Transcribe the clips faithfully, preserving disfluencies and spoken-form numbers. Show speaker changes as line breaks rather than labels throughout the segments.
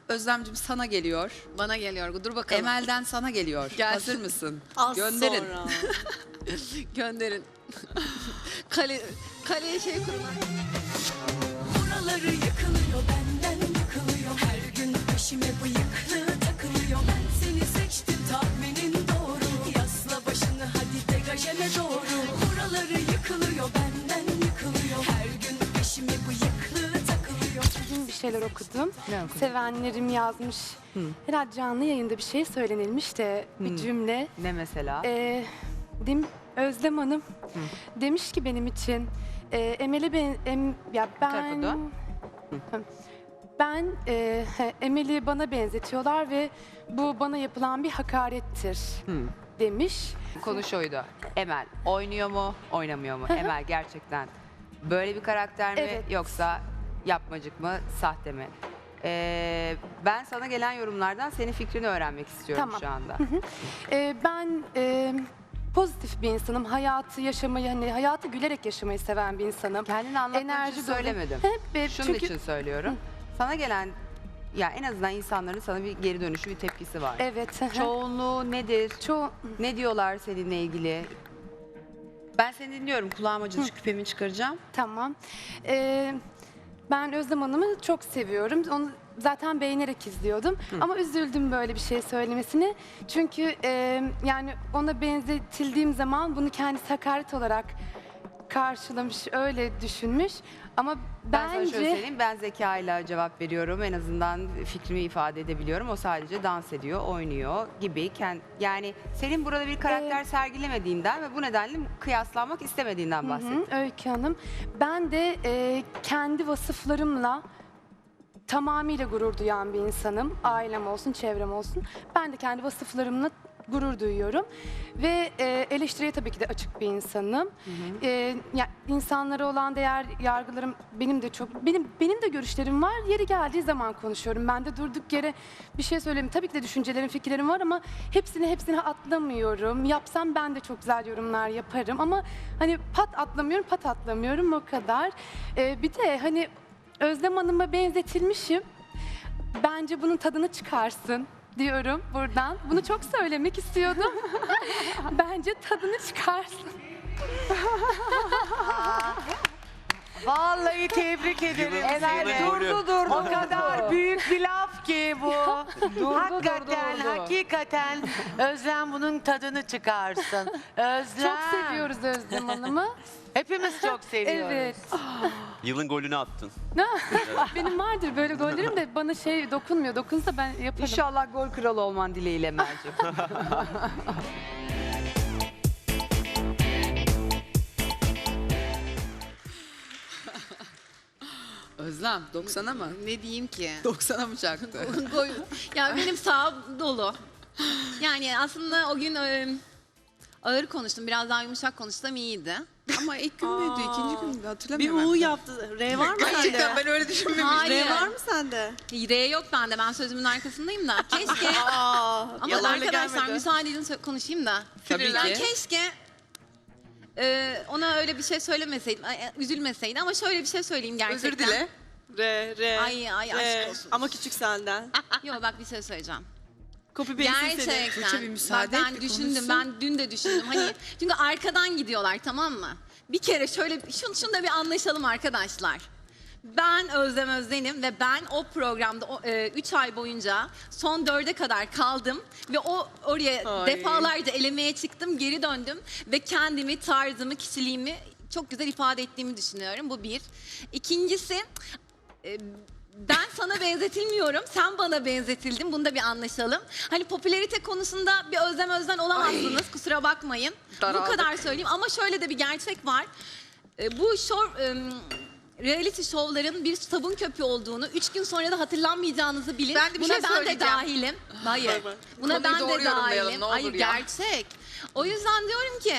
Özlemcim sana geliyor.
Bana geliyor. Dur bakalım.
Emel'den sana geliyor.
Gelsin.
Hazır mısın?
Az
Gönderin.
sonra. Gönderin. Kale, kaleye şey kurun.
Buraları yıkılıyor, benden yıkılıyor. Her gün peşime bıyıklı takılıyor. Ben seni seçtim, tahminin doğru. Yasla başını hadi degajeme doğru. Buraları yıkılıyor, benden yıkılıyor. Her gün peşime bıyıklı takılıyor.
Bugün bir şeyler okudum.
Ne okudun?
Sevenlerim yazmış. Herhalde canlı yayında bir şey söylenilmiş de bir cümle.
Ne mesela?
Ee, dem Özlem Hanım demiş ki benim için e, Emel'e ben em, ya ben
tarafa dön.
Hı. ben e, he, Emel'i bana benzetiyorlar ve bu bana yapılan bir hakarettir demiş.
Konu şuydu. Emel oynuyor mu, oynamıyor mu? Emel gerçekten böyle bir karakter mi
Evet.
yoksa yapmacık mı, sahte mi? Ee, ben sana gelen yorumlardan senin fikrini öğrenmek istiyorum
Tamam.
şu anda.
Ee, ben e, pozitif bir insanım. Hayatı yaşamayı, hani hayatı gülerek yaşamayı seven bir insanım.
Kendini anlatmak için
Enerji dolu.
söylemedim.
Hep, hep,
Şunun
çünkü
için söylüyorum. Sana gelen, ya en azından insanların sana bir geri dönüşü, bir tepkisi var.
evet. hı hı.
Çoğunluğu nedir?
Çoğu
Ne diyorlar seninle ilgili? Ben seni dinliyorum. Kulağıma acıdı, küpemi çıkaracağım.
tamam. Ee, ben Özlem Hanım'ı çok seviyorum. Onu zaten beğenerek izliyordum. Ama üzüldüm böyle bir şey söylemesine. Çünkü e, yani ona benzetildiğim zaman bunu kendisi hakaret olarak karşılamış, öyle düşünmüş. Ama
Ben sana şöyle
bence
söyleyeyim, ben zekayla cevap veriyorum. En azından fikrimi ifade edebiliyorum. O sadece dans ediyor, oynuyor gibi. Ken- Yani senin burada bir karakter sergilemediğinden ve bu nedenle kıyaslanmak istemediğinden bahsettim.
Hı, Öykü Hanım, ben de e, kendi vasıflarımla tamamıyla gurur duyan bir insanım. Ailem olsun, çevrem olsun. Ben de kendi vasıflarımla gurur duyuyorum. Ve e, eleştiriye tabii ki de açık bir insanım. E, ya, insanlara olan değer yargılarım benim de çok, benim benim de görüşlerim var. Yeri geldiği zaman konuşuyorum. Ben de durduk yere bir şey söyleyeyim. Tabii ki de düşüncelerim, fikirlerim var ama hepsini hepsini atlamıyorum. Yapsam ben de çok güzel yorumlar yaparım ama hani pat atlamıyorum, pat atlamıyorum o kadar. E, bir de hani Özlem Hanım'a benzetilmişim. Bence bunun tadını çıkarsın diyorum buradan. Bunu çok söylemek istiyordum. Bence tadını çıkarsın.
Vallahi tebrik ederim.
Emel durdu durdu.
O kadar büyük bir laf ki bu. hakikaten,
durdu, durdu.
hakikaten Özlem bunun tadını çıkarsın. Özlem.
Çok seviyoruz Özlem Hanım'ı.
Hepimiz çok seviyoruz.
Evet.
Yılın golünü attın.
Benim vardır böyle gollerim de bana şey dokunmuyor. Dokunsa ben yaparım.
İnşallah gol kralı olman dileğiyle Emel'ciğim.
Özlem doksana mı?
Ne diyeyim ki?
doksana mı çaktı?
Gol- ya benim sağım dolu. Yani aslında o gün e, ağır konuştum. Biraz daha yumuşak konuşsam iyiydi.
Ama ilk gün müydü, ikinci gün müydü
Bir
hatırlamıyorum.
U yaptı. R var mı
Gerçekten
sende?
ben öyle düşünmemiştim.
Hayır.
R var mı sende?
R yok bende. Ben sözümün arkasındayım da. Keşke.
Aa,
Ama
yalanla
arkadaşlar
gelmedi.
müsaade edin sö- konuşayım da.
Tabii
Yani
ki.
keşke e, ona öyle bir şey söylemeseydim, ay, üzülmeseydi ama şöyle bir şey söyleyeyim gerçekten.
Özür dile.
R, R.
Ay, ay,
R.
aşk olsun.
Ama küçük senden.
Yok bak bir şey söyleyeceğim.
Copy paste'in seni.
Tuğçe,
Gerçekten.
bir
Bak
müsaade et,
ben
bir
düşündüm,
konuşsun.
ben dün de düşündüm. Hani çünkü arkadan gidiyorlar, tamam mı? Bir kere şöyle, şunu, şunu da bir anlaşalım arkadaşlar. Ben Özlem Özden'im ve ben o programda üç ay boyunca son dörde kadar kaldım ve o oraya
Ay.
defalarca elemeye çıktım, geri döndüm ve kendimi, tarzımı, kişiliğimi çok güzel ifade ettiğimi düşünüyorum. Bu bir. İkincisi, e, ben sana benzetilmiyorum, sen bana benzetildin. Bunu da bir anlaşalım. Hani popülarite konusunda bir Özlem Özden olamazsınız, kusura bakmayın.
Daraldık.
Bu kadar söyleyeyim ama şöyle de bir gerçek var. E, bu show, e, reality şovların bir sabun köpüğü olduğunu, üç gün sonra da hatırlanmayacağınızı bilin.
Ben de bir
Buna
şey
ben de
söyleyeceğim.
dahilim. Hayır.
Baba.
Buna
Konuyu
ben
doğru
de
yorumlayalım,
dahilim.
ne olur
Hayır
ya.
gerçek. O yüzden diyorum ki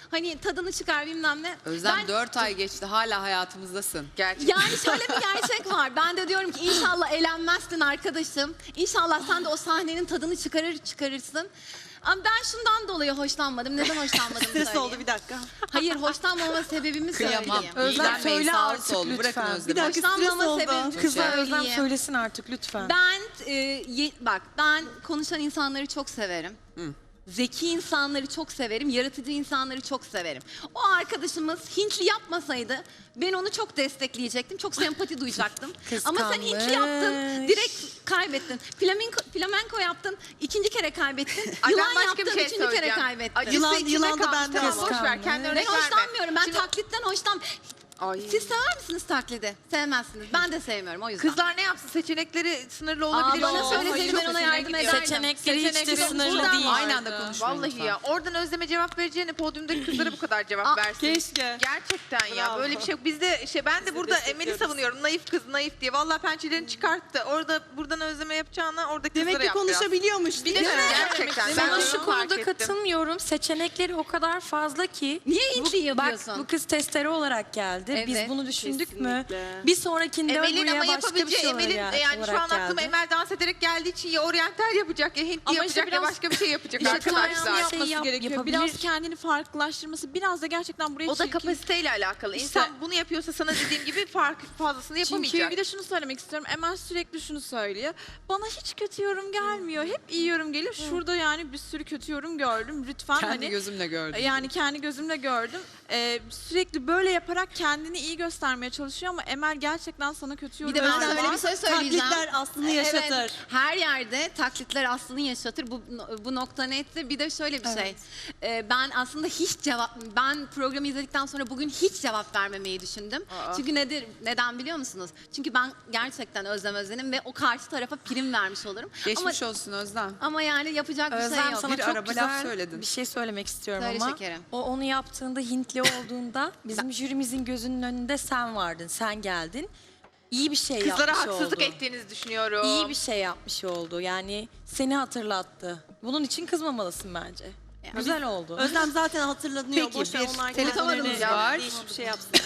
Hani tadını çıkar bilmem ne.
Özlem
Ben-
dört ay geçti hala hayatımızdasın. Gerçekten.
Yani şöyle bir gerçek var. Ben de diyorum ki inşallah elenmezsin arkadaşım. İnşallah sen de o sahnenin tadını çıkarır çıkarırsın. Ama ben şundan dolayı hoşlanmadım. Neden hoşlanmadım
Stres
söyleyeyim.
oldu bir dakika.
Hayır, hoşlanmama sebebimi
Kıyamam.
söyleyeyim.
Özlem,
İlgilenmeyin,
söyle
sağlı
artık
sollu. Bırakın
lütfen.
Özlem'i.
Bir dakika stres
Hoşlanmama
oldu.
sebebimi
Kızlar Özlem
söyleyeyim.
söylesin artık lütfen.
Ben e, ye- bak ben konuşan insanları çok severim. Zeki insanları çok severim, yaratıcı insanları çok severim. O arkadaşımız Hintli yapmasaydı ben onu çok destekleyecektim, çok sempati duyacaktım. Ama sen Hintli yaptın, direkt kaybettin. Flamenko, flamenko yaptın, ikinci kere kaybettin.
Ay, ben
Yılan
başka
yaptın,
bir şey
üçüncü kere
söyleyeceğim.
kaybettin.
Acısı
Yılan-
içinde
yılan da
kalmış.
bende
Tamam,
var.
boş ver. Kendi
Ben
örnek verme.
hoşlanmıyorum, ben
Şimdi
taklitten hoşlan...
Ay.
Siz sever misiniz taklidi? Sevmezsiniz. Ben de sevmiyorum o yüzden.
kızlar ne yapsın? Seçenekleri sınırlı
Aa,
olabilir.
bana
Oo,
söyleseydin
hayır,
ben ona
çok
yardım
hoşuma gidiyor.
ederdim.
Seçenekleri hiç de
Seçenekleri
sınırlı
buradan
değil.
Aynı anda konuşmayın
Vallahi
lütfen.
ya. Oradan Özlem'e cevap vereceğine podyumdaki kızlara bu kadar cevap
Aa,
versin.
Keşke.
Gerçekten ya.
Bravo.
Böyle bir şey yok. Biz de şey ben de
Biz de
burada Emel'i
destekliyoruz.
savunuyorum. Naif kız, naif diye. Vallahi pençelerini çıkarttı. Orada buradan Özlem'e yapacağına oradaki
Demek
kızlara
ki
yap biraz.
konuşabiliyormuş değil,
Değil mi?
mi?
Gerçekten.
Sana
Ben
şu
onu fark
konuda
ettim.
katılmıyorum. Seçenekleri o kadar fazla ki.
Niye Hintli
Bak
yapıyorsun?
bu kız testere olarak geldi. Biz
Evet,
bunu düşündük mü?
kesinlikle.
Bir sonrakinde
Emel'in
buraya
ama
başka bir
yapabileceği
şey
Emel'in
olarak,
yani şu an
olarak
aklıma
geldi.
Emel dans ederek geldiği için ya oryantal yapacak ya Hintli
Ama işte
yapacak ya
biraz-
başka bir şey yapacak
İşte
arkadaşlar.
tarzını
yapması
şey yap-
gerekiyor.
yapabilir.
Biraz kendini farklılaştırması, biraz da gerçekten buraya
O da
çirkin-
kapasiteyle alakalı.
İşte-
İnsan bunu yapıyorsa sana dediğim gibi fark fazlasını yapamayacak.
Çünkü bir de şunu söylemek istiyorum. Emel sürekli şunu söylüyor. Bana hiç kötü yorum gelmiyor. Hep iyi yorum geliyor. Şurada yani bir sürü kötü yorum gördüm. Lütfen
Kendi
hani
gözümle gördüm.
yani kendi gözümle gördüm. Ee, sürekli böyle yaparak kendini iyi göstermeye çalışıyor ama Emel gerçekten sana kötü
Bir de ben
yorumlar
şöyle
var.
bir şey söyleyeceğim.
Taklitler aslını yaşatır.
Evet, her yerde taklitler aslını yaşatır. Bu bu nokta netti. Bir de şöyle bir şey. Ee, ben aslında hiç cevap ben programı izledikten sonra bugün hiç cevap vermemeyi düşündüm. Çünkü nedir? Neden biliyor musunuz? Çünkü ben gerçekten Özlem Özen'im ve o karşı tarafa prim vermiş olurum.
Geçmiş
ama,
olsun Özlem.
ama yani yapacak bir
Özlem
şey yok.
sana
Bir
çok
araba laf
güzel
söyledin.
bir şey söylemek istiyorum
Söyle
ama.
şekerim.
O onu yaptığında Hintli olduğunda bizim jürimizin gözünün önünde sen vardın, sen geldin. İyi bir şey
Kızlara
yapmış
haksızlık
oldu.
ettiğinizi düşünüyorum.
İyi bir şey yapmış oldu. Yani seni hatırlattı. Bunun için kızmamalısın bence. Güzel oldu.
Özlem zaten hatırlanıyor.
Peki,
Boş ver,
bir
onlar
telefon
kendilerine
aramız var.
Hiçbir şey yapsınlar.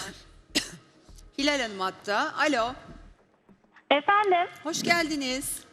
Hilal Hanım hatta. Alo.
Efendim,
Hoş geldiniz.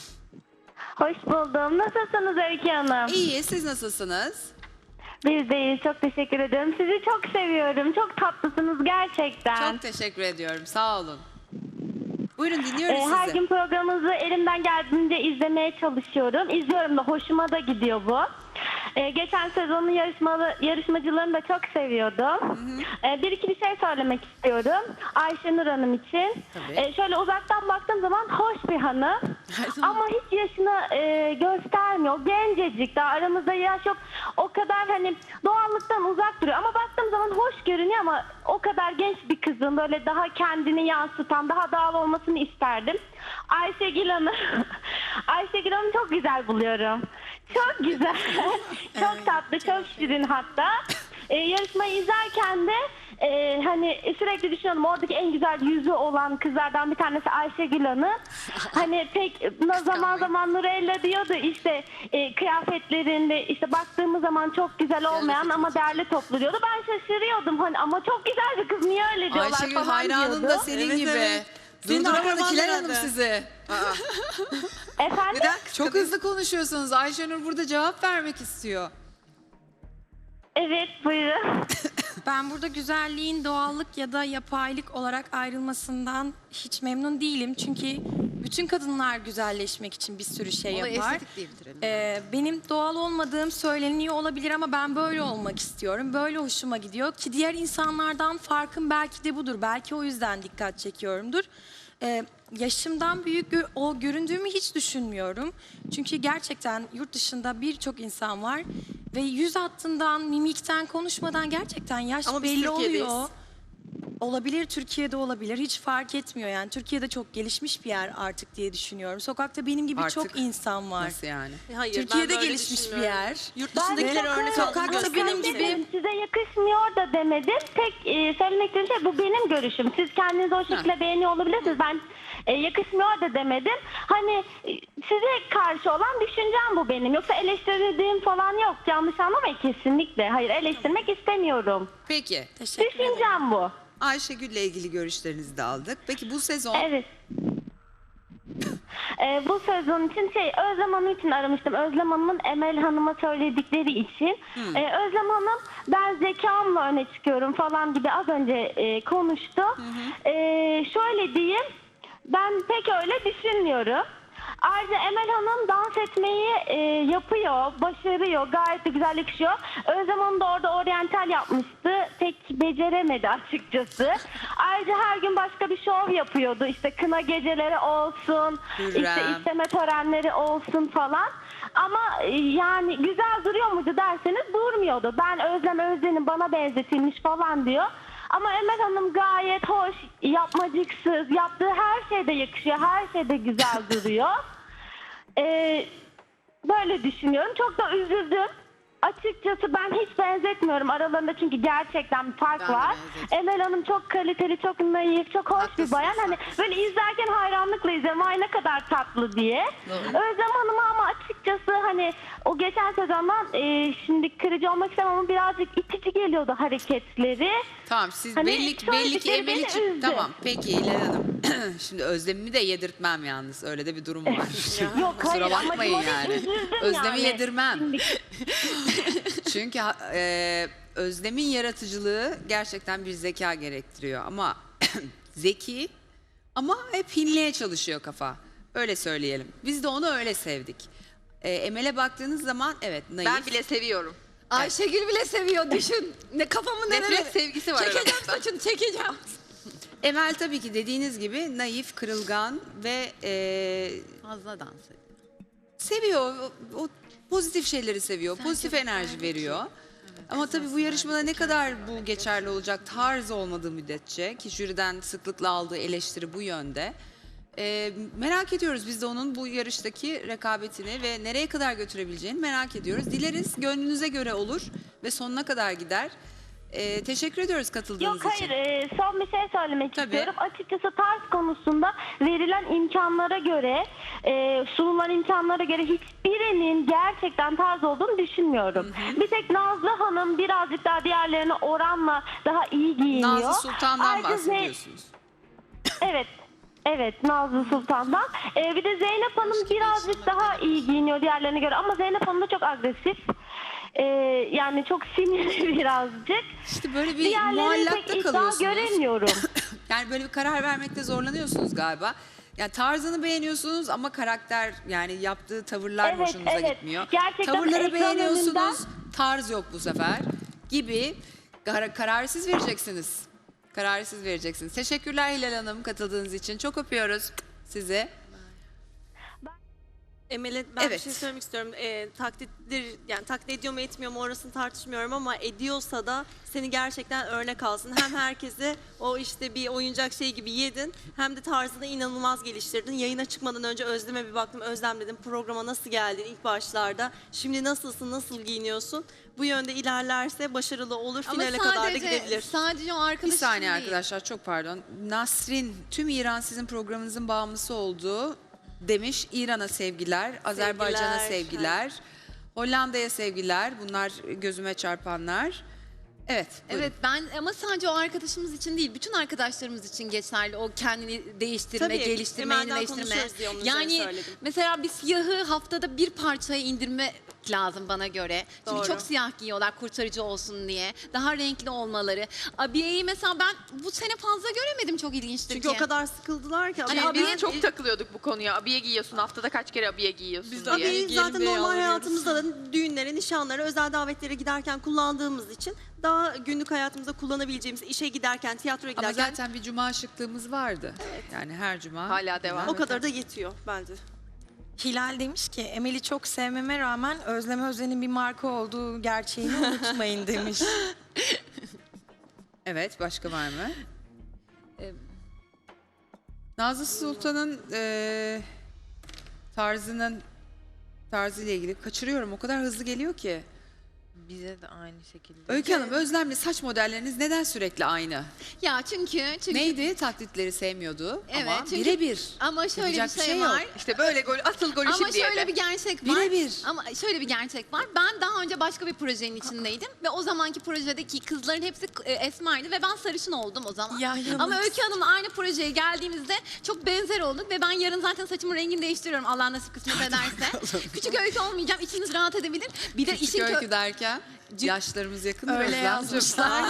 hoş buldum. Nasılsınız Öykü Hanım?
İyi. Siz nasılsınız?
Biz de iyiyiz, çok teşekkür ederim. Sizi çok seviyorum, çok tatlısınız gerçekten.
Çok teşekkür ediyorum. Sağ olun. Buyurun dinliyoruz
Ee, her
sizi.
gün programınızı elimden geldiğince izlemeye çalışıyorum. İzliyorum da hoşuma da gidiyor bu. Ee, geçen sezonun yarışmalı, yarışmacılarını da çok seviyordum. Ee, bir iki bir şey söylemek istiyorum. Ayşenur Hanım için.
Tabii.
Ee, şöyle uzaktan baktığım zaman hoş bir hanım. Ama hiç yaşını e, göstermiyor. Gencecik, daha aramızda yaş yok. O kadar hani doğallıktan uzak duruyor. Ama baktığım zaman hoş görünüyor ama o kadar genç bir kızın böyle daha kendini yansıtan, daha doğal olmasını isterdim. Ayşegül Hanım, Ayşegül Hanım'ı çok güzel buluyorum. Çok güzel, çok tatlı, çok şirin hatta. Ee, yarışmayı izlerken de e, hani sürekli düşünüyorum oradaki en güzel yüzü olan kızlardan bir tanesi Ayşegül Hanım. Hani pek zaman zaman Nurella diyordu işte e, kıyafetlerinde işte baktığımız zaman çok güzel olmayan ama değerli toplu diyordu. Ben şaşırıyordum hani ama çok güzel bir kız niye öyle diyorlar
Ayşegül
falan
hayranın
diyordu.
da senin
Evet,
gibi.
evet. Senin
Durduramadık
akraban
Hilal
herhalde.
Hanım sizi.
Efendim?
Çok hızlı konuşuyorsunuz. Ayşenur burada cevap vermek istiyor.
Evet buyurun.
Ben burada güzelliğin doğallık ya da yapaylık olarak ayrılmasından hiç memnun değilim. Çünkü bütün kadınlar güzelleşmek için bir sürü şey
Olayı
yapar.
estetik diye bitirelim.
Ee, benim doğal olmadığım söyleniyor olabilir ama ben böyle olmak istiyorum. Böyle hoşuma gidiyor ki diğer insanlardan farkım belki de budur. Belki o yüzden dikkat çekiyorumdur. Ee, yaşımdan büyük gö- o göründüğümü hiç düşünmüyorum. Çünkü gerçekten yurt dışında birçok insan var ve yüz hattından, mimikten, konuşmadan gerçekten yaş
Ama biz
belli
Türkiye'deyiz.
oluyor. Olabilir, Türkiye'de olabilir. Hiç fark etmiyor yani. Türkiye'de çok gelişmiş bir yer artık diye düşünüyorum. Sokakta benim gibi
Artık
çok insan var.
Nasıl yani?
Hayır,
Türkiye'de
ben böyle
gelişmiş bir
düşünmüyorum.
yer.
Yurt
Ben
dışındakiler
de
örnek
çok-
aldığını
Sokakta benim
gösteriyor.
gibi-
Dedim, size yakışmıyor da demedim. Tek e, söylemek istediğim şey bu benim görüşüm. Siz kendinizi o şekilde beğeniyor olabilirsiniz. Ben e, yakışmıyor da demedim. Hani e, size karşı olan düşüncem bu benim. Yoksa eleştirdiğim falan yok. Yanlış anlamayın kesinlikle. Hayır, eleştirmek istemiyorum.
Peki.
Teşekkür ederim.
Düşüncem bu.
Ayşegül'le ilgili görüşlerinizi de aldık. Peki bu sezon
Evet. Ee, bu sezon için şey Özlem Hanım için aramıştım. Özlem Hanım'ın Emel Hanım'a söyledikleri için. Ee, Özlem Hanım ben zekamla öne çıkıyorum falan gibi az önce e, konuştu. Ee, şöyle diyeyim, ben pek öyle düşünmüyorum. Ayrıca Emel Hanım dans etmeyi e, yapıyor, başarıyor, gayet de güzel yakışıyor. Özlem Hanım da orada oryantal yapmıştı, pek beceremedi açıkçası. Ayrıca her gün başka bir şov yapıyordu, işte kına geceleri olsun,
Hürrem.
işte isteme törenleri olsun falan. Ama e, yani güzel duruyor muydu derseniz durmuyordu. Ben Özlem Özden'in bana benzetilmiş falan diyor. Ama Emel Hanım gayet hoş, yapmacıksız, yaptığı her şeyde yakışıyor, her şeyde güzel duruyor. Ee, böyle düşünüyorum. Çok da üzüldüm. Açıkçası ben hiç benzetmiyorum aralarında çünkü gerçekten bir fark
Ben de
var.
benzetmiyorum.
Emel Hanım çok kaliteli, çok naif, çok hoş
Haklısınız,
bir bayan. Hani
haklısınız.
böyle izlerken hayranlıkla izliyorum. Ay ne kadar tatlı diye. Özlem Hanım'a ama açıkçası hani o geçen sezondan e, şimdi kırıcı olmak istemem ama birazcık itici geliyordu hareketleri.
tamam siz
Hani
belli,
şu
belli ki
dedikleri
Emel
beni
için
üzdü.
tamam peki İlhan Hanım. Şimdi Özlem'i de yedirtmem yalnız. Öyle de bir durum var.
Yok
Kusura
hayır ama
bakmayın
ona
yani.
üzüldüm
Özlem'i
yani.
yedirmem.
Şimdi-
Çünkü ha- e, Özlem'in yaratıcılığı gerçekten bir zeka gerektiriyor ama zeki ama hep hinliğe çalışıyor kafa. Öyle söyleyelim. Biz de onu öyle sevdik. E, Emel'e baktığınız zaman evet naif.
Ben bile seviyorum.
Ayşegül bile seviyor düşün. Ne kafamı nereye?
Nefret sevgisi var
Çekeceğim
aramızda.
saçını çekeceğim.
Emel tabii ki dediğiniz gibi naif, kırılgan ve e,
Fazla dans ediyor.
seviyor. O, o pozitif şeyleri seviyor. Pozitif enerji veriyor. Ama tabii bu yarışmada ne kadar bu geçerli olacak tarz olmadığı müddetçe ki jüriden sıklıkla aldığı eleştiri bu yönde. Ee, merak ediyoruz biz de onun bu yarıştaki rekabetini ve nereye kadar götürebileceğini merak ediyoruz. Dileriz gönlünüze göre olur ve sonuna kadar gider. Ee, teşekkür ediyoruz katıldığınız
Yok
için.
hayır e, son bir şey söylemek
Tabii.
istiyorum. Açıkçası tarz konusunda verilen imkanlara göre e, sunulan imkanlara göre hiçbirinin gerçekten tarz olduğunu düşünmüyorum. Bir tek Nazlı Hanım birazcık daha diğerlerine oranla daha iyi giyiniyor.
Nazlı Sultan'dan
Ayrıca Zey-
bahsediyorsunuz.
Evet. Evet Nazlı Sultan'dan. Ee, bir de Zeynep Hanım birazcık daha iyi giyiniyor diğerlerine göre ama Zeynep Hanım da çok agresif. Ee, yani çok sinirli birazcık.
İşte böyle bir
Diğerlerine
muallakta
pek iddia
kalıyorsunuz.
göremiyorum.
Yani böyle bir karar vermekte zorlanıyorsunuz galiba. Yani tarzını beğeniyorsunuz ama karakter yani yaptığı tavırlar
Evet,
hoşunuza
evet.
gitmiyor.
Gerçekten
Tavırları
ekran
beğeniyorsunuz,
önünden-
tarz yok bu sefer gibi kar- kararı siz vereceksiniz. Kararı siz vereceksiniz. Teşekkürler Hilal Hanım katıldığınız için. Çok öpüyoruz sizi.
Emel'e ben
Evet.
bir şey söylemek istiyorum. Ee, taklittir, yani taklit ediyor mu etmiyor mu orasını tartışmıyorum ama ediyorsa da seni gerçekten örnek alsın. Hem herkese o işte bir oyuncak şey gibi yedin hem de tarzını inanılmaz geliştirdin. Yayına çıkmadan önce Özlem'e bir baktım. Özlem dedim programa nasıl geldin ilk başlarda? Şimdi nasılsın, nasıl giyiniyorsun? Bu yönde ilerlerse başarılı olur,
Ama
finale kadar da
sadece,
gidebilir.
sadece o
Bir
arkadaşım
saniye
değil.
arkadaşlar çok pardon. Nasrin tüm İran sizin programınızın bağımlısı olduğu demiş. İran'a sevgiler, Azerbaycan'a sevgiler, Hollanda'ya sevgiler. Bunlar gözüme çarpanlar. Evet. buyurun.
Evet ben ama sadece o arkadaşımız için değil bütün arkadaşlarımız için geçerli o kendini değiştirme,
Tabii,
geliştirme,
Emel'den
yenileştirme.
konuşuyoruz diye onun üzerine
Yani
söyledim.
mesela bir siyahı haftada bir parçaya indirme lazım bana göre. Çünkü
Doğru.
çok siyah giyiyorlar kurtarıcı olsun diye. Daha renkli olmaları. Abiyeyi mesela ben bu sene fazla göremedim çok ilginçtir
Çünkü
ki.
o kadar sıkıldılar ki.
Hani
Ama
abiye-
Biz çok takılıyorduk bu konuya. Abiye giyiyorsun haftada kaç kere abiye giyiyorsun
Biz
diye.
abiyeyi
giyelim
zaten
diye
normal
yalvarıyoruz.
hayatımızda da düğünlere, nişanlara, özel davetlere giderken kullandığımız için daha günlük hayatımızda kullanabileceğimiz işe giderken, tiyatroya
Ama
giderken
zaten bir cuma şıklığımız vardı. Yani her cuma.
Hala devam.
o kadar da yetiyor bence.
Hilal demiş ki Emel'i çok sevmeme rağmen Özlem Özden'in bir marka olduğu gerçeğini unutmayın demiş.
Evet başka var mı? Nazlı Sultan'ın eee tarzının tarzıyla ilgili kaçırıyorum. O kadar hızlı geliyor ki.
Bize de aynı şekilde.
Öykü Hanım, Özlem'le saç modelleriniz neden sürekli aynı?
Ya çünkü çünkü
Neydi? Taklitleri sevmiyordu
Evet,
ama
çünkü-
birebir.
ama şöyle
Yapacak
bir
bir
şey,
şey yok.
var.
İşte böyle gol, atıl golü
Ama
şimdi
şöyle
yerde.
bir gerçek var.
Birebir.
Ama şöyle bir gerçek var. Ben daha önce başka bir projenin içindeydim ve o zamanki projedeki kızların hepsi e, esmerdi ve ben sarışın oldum o zaman.
Ya, yanılsın.
Ama Öykü Hanım'la aynı projeye geldiğimizde çok benzer olduk ve ben yarın zaten saçımın rengini değiştiriyorum Allah nasip kısmet ederse. Küçük Öykü olmayacağım. İçiniz rahat edebilir. Bir de
Küçük
işin kö-
Öykü derken yaşlarımız yakın.
Öyle
Özlem.
yazmışlar.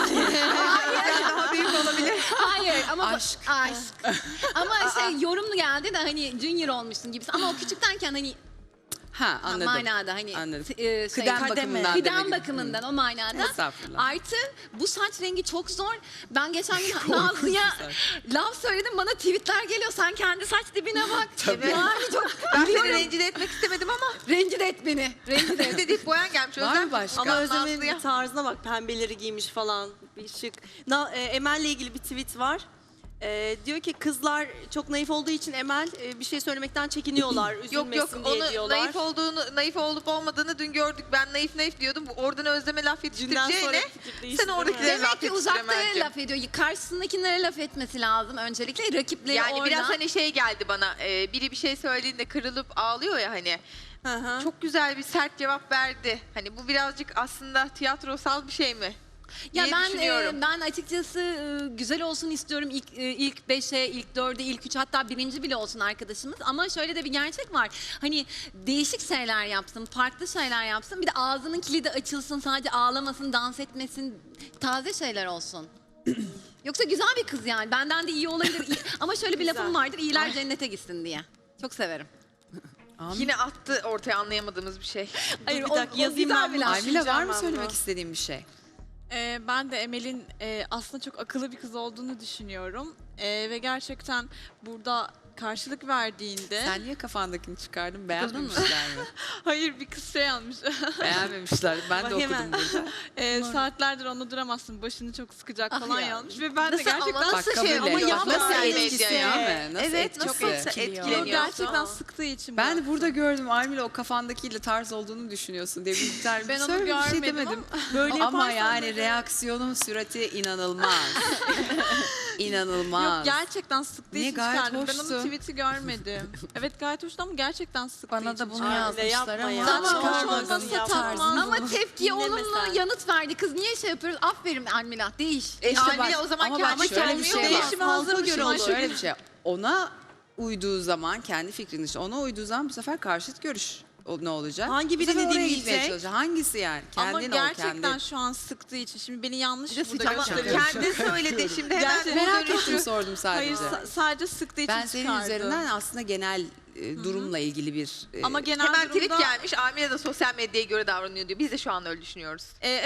Daha büyük olabilir.
Hayır ama
Aşk.
aşk. Ama şey yorumlu geldi de hani junior olmuşsun gibisi. Ama o küçüktenken hani
Ha, anladım.
manada hani
Anladım.
e, şey,
Kıdem bakımından
kıdem
demek.
bakımından o manada.
Estağfurullah.
Artı bu saç rengi çok zor. Ben geçen gün Nazlı'ya laf söyledim bana tweetler geliyor. Sen kendi saç dibine bak. Yani çok
Ben seni rencide etmek istemedim ama
rencide et beni. Rencide et.
bir de deyip boyan gelmiş.
Var
Özlem.
mı başka?
Ama Özlem'in
Nazlı'ya.
bir tarzına bak, pembeleri giymiş falan, bir şık. Na, e, Emel'le ilgili bir tweet var. E, diyor ki kızlar çok naif olduğu için Emel e, bir şey söylemekten çekiniyorlar, üzülmesin
Yok yok
diye
onu
diyorlar.
naif olduğunu, naif olup olmadığını dün gördük. Ben naif naif diyordum. Oradan Özlem'e laf
Dünden sonra
yetiştireceğine
fikir değişti,
sen
değil mi?
oradakilere laf
Demek ki
yetiştire
uzaklara
bence.
laf ediyor. Karşısındakilere laf etmesi lazım öncelikle. Rakipleri
Yani
orada.
biraz hani şey geldi bana. e, biri bir şey söylediğinde kırılıp ağlıyor ya hani.
Hı hı.
Çok güzel bir sert cevap verdi. Hani bu birazcık aslında tiyatrosal bir şey mi?
Ya
diye
ben
düşünüyorum.
e, ben açıkçası e, güzel olsun istiyorum ilk e, ilk beşe, ilk dörde, ilk üç hatta birinci bile olsun arkadaşımız. Ama şöyle de bir gerçek var. Hani değişik şeyler yapsın, farklı şeyler yapsın. Bir de ağzının kilidi açılsın, sadece ağlamasın, dans etmesin, taze şeyler olsun. Yoksa güzel bir kız yani. Benden de iyi olabilir. İyi- Ama şöyle bir lafım vardır. İyiler cennete gitsin diye. Çok severim.
Yine attı ortaya anlayamadığımız bir şey.
Hayır,
bir
o-
dakika
o
yazayım
güzel
ben
bir
bunu.
laf.
Aymile var
Düşüneceğim
mı
ben
söylemek
bunu.
istediğin bir şey?
Ee, ben de Emel'in e, aslında çok akıllı bir kız olduğunu düşünüyorum. Ee, ve gerçekten burada karşılık verdiğinde...
Sen niye kafandakini çıkardın? Beğenmemişler mi?
Hayır bir kız şey almış.
Beğenmemişler. Ben de
Bak
okudum
hemen.
burada.
Ee, saatlerdir onu duramazsın, başını çok sıkacak
Ah
falan
ya.
yazmış. Ve ben de
Nasıl-
gerçekten
ama
Bak
Nasıl
kabul
şey
et.
ama
Bak
yapma
nasıl
yani
etkisi
medya.
değil mi? Nasıl
Evet nasıl
etkisi?
Bunu
etkileniyorsun?
gerçekten sıktığı için
Ben
ben
de burada gördüm Aymile o kafandakiyle tarz olduğunu düşünüyorsun diye bir tercih.
Ben onu
Söyle, bir şey
görmedim
demedim.
Böyle
Ama
yaparsan
yani
böyle-
reaksiyonun sürati inanılmaz. İnanılmaz.
Yok gerçekten sıktığı
Niye?
için
Gayet
çıkardım. Ben
hoştu.
onun tweet'i görmedim. Evet gayet hoştu ama gerçekten sıktığı
Bana
için
da bunu
çıkardım.
Aile
yazmışlar
yapma
ama.
ya.
Tamam,
Çıkarmadın,
hoş olmasa
yapma.
tamam.
Ama tepkiye
Dinleme
olumlu
sen.
yanıt verdi. Kız niye şey yapıyoruz? Aferin Almila. Değiş.
E işte
bak,
Almila o zaman
ama bak
kendi
şöyle bir
kendine
şey var.
oluyor.
Değişime
Halka
hazır
göre
mısın
olur.
Ayşegül?
Şöyle bir şey. Ona uyduğu zaman kendi fikrin işte ona uyduğu zaman bu sefer karşıt görüş o ne olacak?
Hangi
Bu
birini
sefer oraya
dinleyecek?
gitmeye çalışacak. Hangisi yani?
Ama
Kendin ol
gerçekten
kendi.
şu an sıktığı için. Şimdi beni yanlış
Bir de
burada
sıcak
gösteriyor.
Kendi söyledi şimdi hemen
Gerçekten
bunu
Merak
dönüştür.
ettim sordum
Hayır
sadece.
sa- sadece sıktığı için
Ben senin
çıkardım.
üzerinden aslında genel e, durumla ilgili bir e,
Ama genel
Hemen tweet
durumda...
gelmiş. Amire de sosyal medyaya göre davranıyor diyor. Biz de şu an öyle düşünüyoruz.
E,